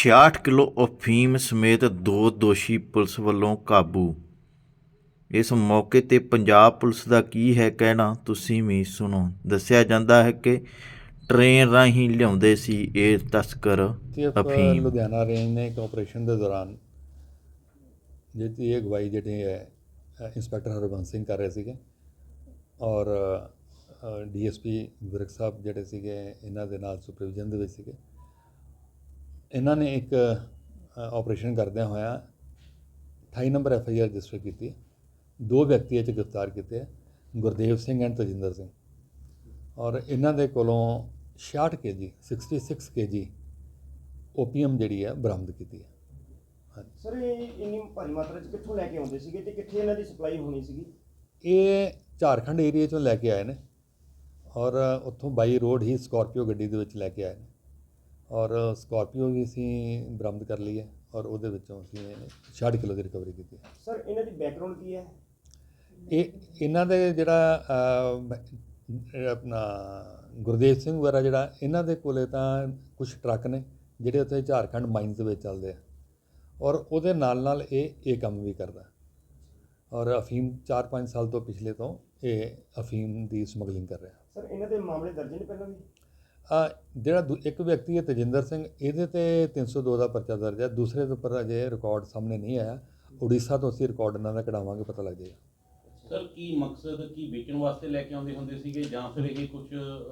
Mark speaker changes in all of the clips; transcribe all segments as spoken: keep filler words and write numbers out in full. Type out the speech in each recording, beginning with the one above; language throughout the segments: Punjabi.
Speaker 1: ਛਿਆਹਠ ਕਿਲੋ ਅਫੀਮ ਸਮੇਤ ਦੋ ਦੋਸ਼ੀ ਪੁਲਿਸ ਵੱਲੋਂ ਕਾਬੂ। ਇਸ ਮੌਕੇ 'ਤੇ ਪੰਜਾਬ ਪੁਲਿਸ ਦਾ ਕੀ ਹੈ ਕਹਿਣਾ, ਤੁਸੀਂ ਵੀ ਸੁਣੋ। ਦੱਸਿਆ ਜਾਂਦਾ ਹੈ ਕਿ ਟ੍ਰੇਨ ਰਾਹੀਂ ਲਿਆਉਂਦੇ ਸੀ ਇਹ ਤਸਕਰ ਅਫੀਮ।
Speaker 2: ਲੁਧਿਆਣਾ ਰੇਂਜ ਨੇ ਇੱਕ ਆਪਰੇਸ਼ਨ ਦੇ ਦੌਰਾਨ ਜਿਹਦੀ ਅਗਵਾਈ ਜਿਹੜੇ ਹੈ ਇੰਸਪੈਕਟਰ ਹਰਬੰਸ ਸਿੰਘ ਕਰ ਰਹੇ ਸੀਗੇ ਔਰ D S P Virk Sahib ਜਿਹੜੇ ਸੀਗੇ ਇਹਨਾਂ ਦੇ ਨਾਲ ਸੁਪਰਵਿਜ਼ਨ ਦੇ ਵਿੱਚ ਸੀਗੇ। ਇਹਨਾਂ ਨੇ ਇੱਕ ਆਪਰੇਸ਼ਨ ਕਰਦਿਆਂ ਹੋਇਆ ਅਠਾਈ number F I R register ਕੀਤੀ। ਦੋ ਵਿਅਕਤੀ ਇਹ 'ਚ ਗ੍ਰਿਫਤਾਰ ਕੀਤੇ ਹੈ, ਗੁਰਦੇਵ ਸਿੰਘ ਐਂਡ ਤਜਿੰਦਰ ਸਿੰਘ, ਔਰ ਇਹਨਾਂ ਦੇ ਕੋਲੋਂ ਛਿਆਹਠ ਕੇ ਜੀ ਸਿਕਸਟੀ ਸਿਕਸ ਕੇ ਜੀ ਓਪੀਐਮ ਜਿਹੜੀ ਹੈ ਬਰਾਮਦ ਕੀਤੀ ਹੈ। ਹਾਂਜੀ
Speaker 3: ਸਰ, ਇਹ ਇੰਨੀ ਭਾਰੀ ਮਾਤਰਾ 'ਚ ਕਿੱਥੋਂ ਲੈ ਕੇ ਆਉਂਦੇ ਸੀਗੇ ਤੇ ਕਿੱਥੇ ਇਹਨਾਂ ਦੀ ਸਪਲਾਈ ਹੋਣੀ ਸੀਗੀ?
Speaker 2: ਇਹ ਝਾਰਖੰਡ ਏਰੀਏ 'ਚੋਂ ਲੈ ਕੇ ਆਏ ਨੇ ਔਰ ਉੱਥੋਂ ਬਾਈ ਰੋਡ ਹੀ ਸਕਾਰਪੀਓ ਗੱਡੀ ਦੇ ਵਿੱਚ ਲੈ ਕੇ ਆਏ ਨੇ ਔਰ ਸਕਾਰਪੀਓ ਵੀ ਅਸੀਂ ਬਰਾਮਦ ਕਰ ਲਈ ਹੈ ਔਰ ਉਹਦੇ ਵਿੱਚੋਂ ਅਸੀਂ ਛਿਆਹਠ ਕਿਲੋ ਦੀ ਰਿਕਵਰੀ ਕੀਤੀ ਹੈ।
Speaker 3: ਸਰ, ਇਹਨਾਂ ਦੀ ਬੈਕਗਰਾਉਂਡ ਕੀ ਹੈ?
Speaker 2: ਇਹ ਇਹਨਾਂ ਦੇ ਜਿਹੜਾ ਆਪਣਾ ਗੁਰਦੇਵ ਸਿੰਘ ਵਗੈਰਾ ਜਿਹੜਾ ਇਹਨਾਂ ਦੇ ਕੋਲੇ ਤਾਂ ਕੁਝ ਟਰੱਕ ਨੇ ਜਿਹੜੇ ਉੱਥੇ ਝਾਰਖੰਡ ਮਾਈਨਸ ਦੇ ਵਿੱਚ ਚੱਲਦੇ ਆ ਔਰ ਉਹਦੇ ਨਾਲ ਨਾਲ ਇਹ ਇਹ ਕੰਮ ਵੀ ਕਰਦਾ ਔਰ ਅਫੀਮ ਚਾਰ ਪੰਜ ਸਾਲ ਤੋਂ ਪਿਛਲੇ ਤੋਂ ਇਹ ਅਫੀਮ ਦੀ ਸਮਗਲਿੰਗ ਕਰ ਰਿਹਾ।
Speaker 3: ਸਰ, ਇਹਨਾਂ ਦੇ ਮਾਮਲੇ ਦਰਜ ਨੇ ਪਹਿਲਾਂ ਵੀ?
Speaker 2: ਆ ਜਿਹੜਾ ਦੂ ਇੱਕ ਵਿਅਕਤੀ ਹੈ ਤਜਿੰਦਰ ਸਿੰਘ, ਇਹਦੇ 'ਤੇ ਤਿੰਨ ਸੌ ਦੋ ਦਾ ਪਰਚਾ ਦਰਜ ਹੈ। ਦੂਸਰੇ ਦੇ ਉੱਪਰ ਅਜੇ ਰਿਕਾਰਡ ਸਾਹਮਣੇ ਨਹੀਂ ਆਇਆ। ਉੜੀਸਾ ਤੋਂ ਅਸੀਂ ਰਿਕਾਰਡ ਇਹਨਾਂ ਦਾ ਕਢਾਵਾਂਗੇ, ਪਤਾ ਲੱਗ ਜਾਏਗਾ।
Speaker 4: ਸਰ, ਕੀ ਮਕਸਦ ਕੀ ਵੇਚਣ ਵਾਸਤੇ ਲੈ ਕੇ ਆਉਂਦੇ ਹੁੰਦੇ ਸੀਗੇ ਜਾਂ ਫਿਰ ਇਹ ਕੁਝ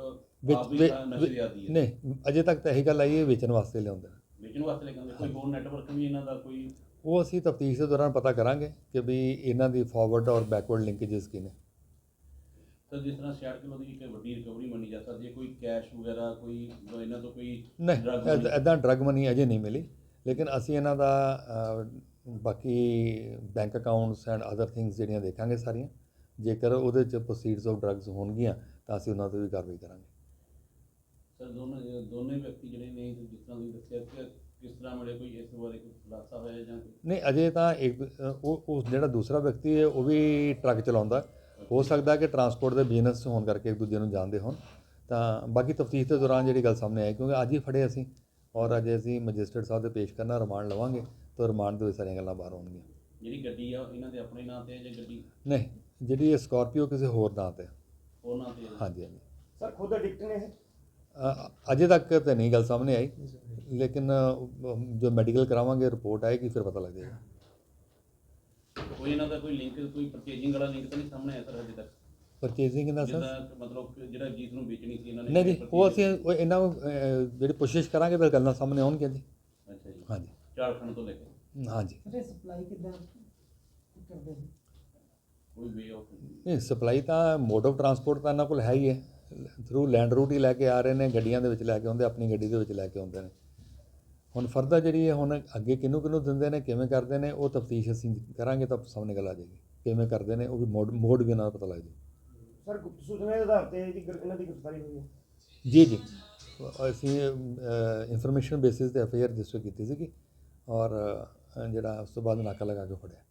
Speaker 2: ਨਹੀਂ, ਅਜੇ ਤੱਕ ਤਾਂ ਇਹੀ ਗੱਲ ਆਈ ਹੈ ਵੇਚਣ ਵਾਸਤੇ ਲਿਆਉਂਦੇ ਨੇ।
Speaker 4: ਵੇਚਣ ਵਾਸਤੇ ਲੈ ਕੇ ਆਉਂਦੇ? ਕੋਈ ਹੋਰ ਨੈਟਵਰਕ ਵੀ ਇਹਨਾਂ ਦਾ ਕੋਈ?
Speaker 2: ਉਹ ਅਸੀਂ ਤਫਤੀਸ਼ ਦੇ ਦੌਰਾਨ ਪਤਾ ਕਰਾਂਗੇ ਕਿ ਵੀ ਇਹਨਾਂ ਦੀ ਫਾਰਵਰਡ ਔਰ ਬੈਕਵਰਡ ਲਿੰਕੇजेस ਕੀ ਨੇ।
Speaker 4: ਸਰ, ਜਿਸ ਤਰ੍ਹਾਂ ਛਿਆਹਠ ਕਿਲੋ ਦੀ ਇੱਕ ਵੱਡੀ ਰਿਕਵਰੀ ਮੰਨੀ ਜਾ ਸਕਦੀ ਹੈ, ਕੋਈ ਕੈਸ਼ ਵਗੈਰਾ ਕੋਈ ਇਹਨਾਂ ਤੋਂ ਕੋਈ?
Speaker 2: ਨਹੀਂ, ਇੱਦਾਂ ਡਰੱਗ ਮਨੀ ਅਜੇ ਨਹੀਂ ਮਿਲੀ, ਲੇਕਿਨ ਅਸੀਂ ਇਹਨਾਂ ਦਾ ਬਾਕੀ bank accounts and other things ਜਿਹੜੀਆਂ ਦੇਖਾਂਗੇ ਸਾਰੀਆਂ। ਜੇਕਰ ਉਹਦੇ 'ਚ ਪ੍ਰੋਸੀਡਸ ਆਫ ਡਰੱਗਸ ਹੋਣਗੀਆਂ ਤਾਂ ਅਸੀਂ ਉਹਨਾਂ 'ਤੇ ਵੀ ਕਾਰਵਾਈ ਕਰਾਂਗੇ।
Speaker 4: ਸਰ, ਦੋਨੋਂ ਦੋਨੇ ਵਿਅਕਤੀ ਜਿਹੜੇ ਨੇ ਜਿਸ ਤਰ੍ਹਾਂ ਤੁਸੀਂ ਦੱਸਿਆ ਕਿ ਕਿਸ ਤਰ੍ਹਾਂ ਮਿਲੇ, ਕੋਈ ਇਸ ਬਾਰੇ ਕੋਈ ਖੁਲਾਸਾ ਹੋਇਆ ਜਾਂ?
Speaker 2: ਨਹੀਂ, ਅਜੇ ਤਾਂ ਇੱਕ ਉਹ ਉਹ ਜਿਹੜਾ ਦੂਸਰਾ ਵਿਅਕਤੀ ਹੈ ਉਹ ਵੀ ਟਰੱਕ ਚਲਾਉਂਦਾ। ਹੋ ਸਕਦਾ ਕਿ ਟਰਾਂਸਪੋਰਟ ਦੇ ਬਿਜ਼ਨਸ ਹੋਣ ਕਰਕੇ ਇੱਕ ਦੂਜੇ ਨੂੰ ਜਾਣਦੇ ਹੋਣ। ਤਾਂ ਬਾਕੀ ਤਫਤੀਸ਼ ਦੇ ਦੌਰਾਨ ਜਿਹੜੀ ਗੱਲ ਸਾਹਮਣੇ ਆਈ, ਕਿਉਂਕਿ ਅੱਜ ਹੀ ਫੜੇ ਅਸੀਂ ਔਰ ਅੱਜ ਅਸੀਂ ਮੈਜਿਸਟਰੇਟ ਸਾਹਿਬ ਦੇ ਪੇਸ਼ ਕਰਨਾ, ਰਿਮਾਂਡ ਲਵਾਂਗੇ ਤਾਂ ਰਿਮਾਂਡ ਦੇ ਵਿੱਚ ਸਾਰੀਆਂ ਗੱਲਾਂ ਬਾਹਰ ਆਉਣਗੀਆਂ।
Speaker 4: ਜਿਹੜੀ ਗੱਡੀ ਆ ਇਹਨਾਂ ਦੇ ਆਪਣੇ ਨਾਂ 'ਤੇ ਹੈ ਜਾਂ ਗੱਡੀ?
Speaker 2: ਨਹੀਂ, ਜਿਹੜੀ ਇਹ ਸਕਾਰਪੀਓ ਕਿਸੇ ਹੋਰ ਨਾਂ 'ਤੇ।
Speaker 4: ਹੋਰ ਨਾਂ 'ਤੇ?
Speaker 2: ਹਾਂਜੀ ਹਾਂਜੀ।
Speaker 3: ਸਰ, ਖੁਦ ਐਡਿਕਟ ਨੇ ਇਹ?
Speaker 2: ਅਜੇ ਤੱਕ ਤਾਂ ਨਹੀਂ ਗੱਲ ਸਾਹਮਣੇ ਆਈ, ਲੇਕਿਨ ਜੋ ਮੈਡੀਕਲ ਕਰਾਵਾਂਗੇ ਰਿਪੋਰਟ ਆਏਗੀ ਫਿਰ ਪਤਾ ਲੱਗ ਜਾਏਗਾ।
Speaker 4: ਕੋਈ ਇਹਨਾਂ ਦਾ ਕੋਈ ਲਿੰਕ, ਕੋਈ ਪਰਚੇਜਿੰਗ ਵਾਲਾ ਲਿੰਕ ਤਾਂ ਨਹੀਂ ਸਾਹਮਣੇ ਆਇਆ ਸਰ ਅਜੇ ਤੱਕ?
Speaker 2: ਪਰਚੇਜ਼ਿੰਗ ਦਾ ਸਰ
Speaker 4: ਮਤਲਬ ਜਿਹੜਾ ਚੀਜ਼ ਨੂੰ ਵੇਚਣੀ ਸੀ ਇਹਨਾਂ ਨੇ?
Speaker 2: ਨਹੀਂ ਜੀ, ਉਹ ਅਸੀਂ ਉਹ ਇਹਨਾਂ ਨੂੰ ਜਿਹੜੀ ਕੋਸ਼ਿਸ਼ ਕਰਾਂਗੇ ਫਿਰ ਗੱਲਾਂ ਸਾਹਮਣੇ ਆਉਣਗੀਆਂ ਜੀ।
Speaker 4: ਅੱਛਾ ਜੀ।
Speaker 2: ਹਾਂਜੀ,
Speaker 4: ਝਾਰਖੰਡ ਤੋਂ ਲੈ ਕੇ?
Speaker 2: ਹਾਂਜੀ।
Speaker 3: ਸਪਲਾਈ ਕਿੱਦਾਂ ਕਰਦੇ ਸੀ?
Speaker 4: ਕੋਈ ਵੇ ਆਫ?
Speaker 2: ਨਹੀਂ, ਸਪਲਾਈ ਤਾਂ ਮੋਡ ਆਫ ਟਰਾਂਸਪੋਰਟ ਤਾਂ ਇਹਨਾਂ ਕੋਲ ਹੈ ਹੀ ਹੈ। ਥਰੂ ਲੈਂਡ ਰੂਟ ਹੀ ਲੈ ਕੇ ਆ ਰਹੇ ਨੇ, ਗੱਡੀਆਂ ਦੇ ਵਿੱਚ ਲੈ ਕੇ ਆਉਂਦੇ, ਆਪਣੀ ਗੱਡੀ ਦੇ ਵਿੱਚ ਲੈ ਕੇ ਆਉਂਦੇ ਨੇ। ਹੁਣ ਫਰਦਰ ਜਿਹੜੀ ਹੈ ਹੁਣ ਅੱਗੇ ਕਿਹਨੂੰ ਕਿਹਨੂੰ ਦਿੰਦੇ ਨੇ, ਕਿਵੇਂ ਕਰਦੇ ਨੇ, ਉਹ ਤਫਤੀਸ਼ ਅਸੀਂ ਕਰਾਂਗੇ ਤਾਂ ਸਾਹਮਣੇ ਗੱਲ ਆ ਜਾਏਗੀ। ਕਿਵੇਂ ਕਰਦੇ ਨੇ ਉਹ ਵੀ ਮੋਡ ਮੋਡ ਵੀ ਉਹਨਾਂ ਦਾ ਪਤਾ ਲੱਗ ਜਾਏ।
Speaker 3: ਸਰ, ਗੁਪਤ ਸੂਚਨਾ ਦੇ ਆਧਾਰ 'ਤੇ ਇਹਨਾਂ ਦੀ ਗ੍ਰਿਫਤਾਰੀ ਹੋਈ ਹੈ?
Speaker 2: ਜੀ ਜੀ, ਅਸੀਂ ਇਨਫੋਰਮੇਸ਼ਨ ਬੇਸਿਸ 'ਤੇ ਐਫ ਆਈ ਆਰ ਰਜਿਸਟਰ ਕੀਤੀ ਸੀਗੀ ਔਰ ਜਿਹੜਾ ਉਸ ਤੋਂ ਬਾਅਦ ਨਾਕਾ ਲਗਾ ਕੇ ਫੜਿਆ।